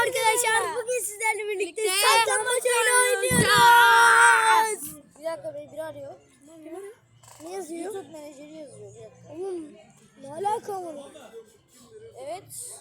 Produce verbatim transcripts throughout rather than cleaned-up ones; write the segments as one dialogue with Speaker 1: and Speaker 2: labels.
Speaker 1: arkadaşlar. Bugün sizlerle birlikte saklambaç oyunu oynuyoruz.
Speaker 2: Bir dakika beni biri arıyor.
Speaker 1: Ne yazıyor?
Speaker 2: YouTube menajeri yazıyor. Bir dakika.
Speaker 1: Oğlum ne alaka var?
Speaker 2: Evet.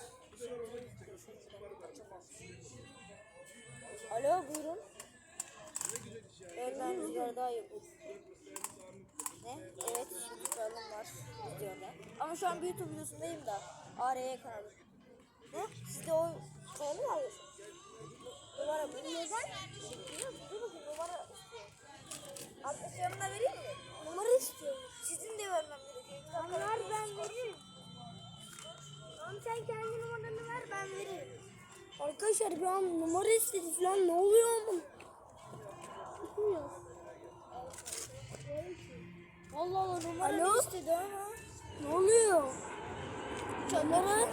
Speaker 2: Alo buyurun. Evet ben rüzgar daha iyi. Ne? Evet şimdi kralım var videoda. Ama şu an bir YouTube videosundayım da. A R Y kanalı. Ne? Siz de o kanalı mı alıyorsunuz? Numara bu. Neden? Dur bakayım numara istiyor. Arkadaşlarımla vereyim mi?
Speaker 1: Numara istiyorum.
Speaker 2: Sizin de vermem gerekiyor.
Speaker 1: Ver ben veririm. Tamam sen kendi numaranı ver ben veririm. Arkadaşlar bir an numara istedi falan ne oluyor ama? Bilmiyorum.
Speaker 2: Allah Allah numara
Speaker 1: Alo?
Speaker 2: istedi ama.
Speaker 1: Ne oluyor? Numara.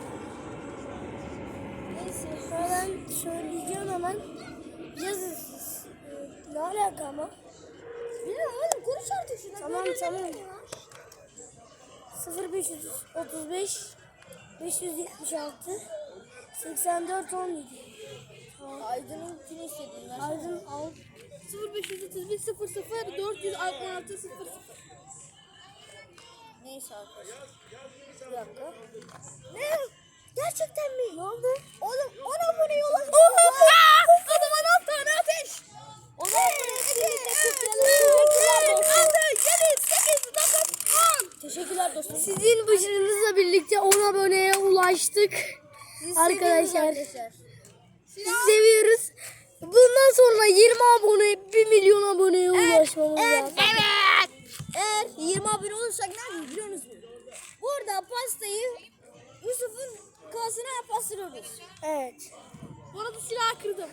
Speaker 2: Neyse.
Speaker 1: Ben söyleyeceğim hemen. Yazın siz. Ee, ne alaka ama?
Speaker 2: Bilmiyorum oğlum konuş artık şuna.
Speaker 1: Tamam,
Speaker 2: Böyle
Speaker 1: tamam.
Speaker 2: ne ya?
Speaker 1: sıfır beş otuz beş beş yüz yetmiş altı seksen dört on yedi.
Speaker 2: Aydın'ınkini istediğin ver.
Speaker 1: Aydın al.
Speaker 3: sıfır beş otuz bir sıfır sıfır dört yüz altmış altı sıfır sıfır.
Speaker 2: Neyse arkadaşlar. Bir dakika.
Speaker 1: Ne? Gerçekten mi? Ne oldu?
Speaker 2: Oğlum on aboneye ulaştık.
Speaker 3: Adama on tane ateş.
Speaker 2: on aboneye birlikte kutlayalım. Teşekkürler dostum.
Speaker 1: Sizin başarınızla birlikte on aboneye ulaştık.
Speaker 2: Sizi
Speaker 1: Arkadaşlar.
Speaker 2: seviyoruz arkadaşlar.
Speaker 1: Sizi seviyoruz. Bundan sonra yirmi abone, bir milyon aboneye ulaşmamız
Speaker 2: evet,
Speaker 1: lazım.
Speaker 2: evet. Eğer yirmi abone olursak ne yapıyoruz biliyor musunuz? Burada pastayı Yusuf'un kasına pastırıyoruz.
Speaker 1: Evet.
Speaker 3: Bu arada silahı kırdım.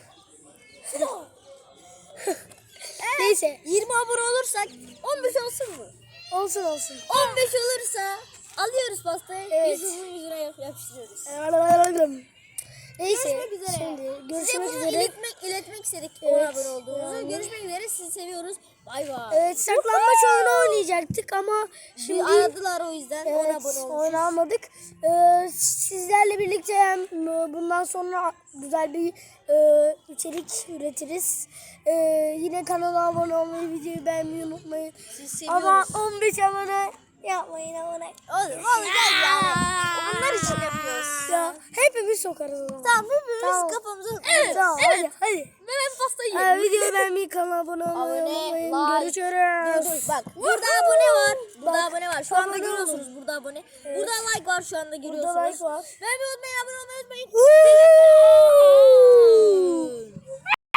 Speaker 1: Neyse.
Speaker 2: yirmi abone olursak on beş olsun mu?
Speaker 1: Olsun olsun.
Speaker 2: on beş olursa alıyoruz pastayı.
Speaker 1: Evet.
Speaker 2: Yusuf'un yüzüne yap- yapıştırıyoruz.
Speaker 1: Neyse.
Speaker 2: Görüşmek üzere.
Speaker 1: Şimdi
Speaker 2: Size
Speaker 1: görüşmek
Speaker 2: bunu
Speaker 1: üzere.
Speaker 2: iletmek, iletmek istedik
Speaker 1: Evet,
Speaker 2: on abone olduğumuzu.
Speaker 1: yani.
Speaker 2: Görüşmek üzere. Sizi seviyoruz. Bay bay.
Speaker 1: Evet saklambaç oyunu oynayacaktık ama
Speaker 2: Şimdi
Speaker 1: şimdi
Speaker 2: aradılar o yüzden on
Speaker 1: evet,
Speaker 2: abone olmuşuz.
Speaker 1: oynamadık. Ee, sizlerle birlikte hem e, bundan sonra güzel bir e, içerik üretiriz. E, yine kanala abone olmayı, videoyu beğenmeyi unutmayın.
Speaker 2: Sizi seviyoruz.
Speaker 1: Ama on beş abone yapmayın abone.
Speaker 2: Oğlum olacak yani. Bunlar için yapıyoruz.
Speaker 1: Ya hepimiz sokarız o zaman.
Speaker 2: Tamam hepimiz
Speaker 1: Tamam.
Speaker 2: kafamıza
Speaker 1: Evet, tamam hadi hadi.
Speaker 3: Ben hem pastayı
Speaker 1: Ha,
Speaker 3: yerim.
Speaker 1: videoyu beğenmeyi, kanala abone olmayı
Speaker 2: Abone,
Speaker 1: unutmayın.
Speaker 2: like.
Speaker 1: Görüşürüz.
Speaker 2: Görüşürüz. Bak burada abone var. Burada abone var. Şu anda
Speaker 1: abone
Speaker 2: görüyorsunuz
Speaker 1: olun.
Speaker 2: burada abone. Burada like var şu anda görüyorsunuz.
Speaker 1: Burada like var.
Speaker 2: Beğenmeyi unutmayın, abone olmayı unutmayın.
Speaker 1: Woo!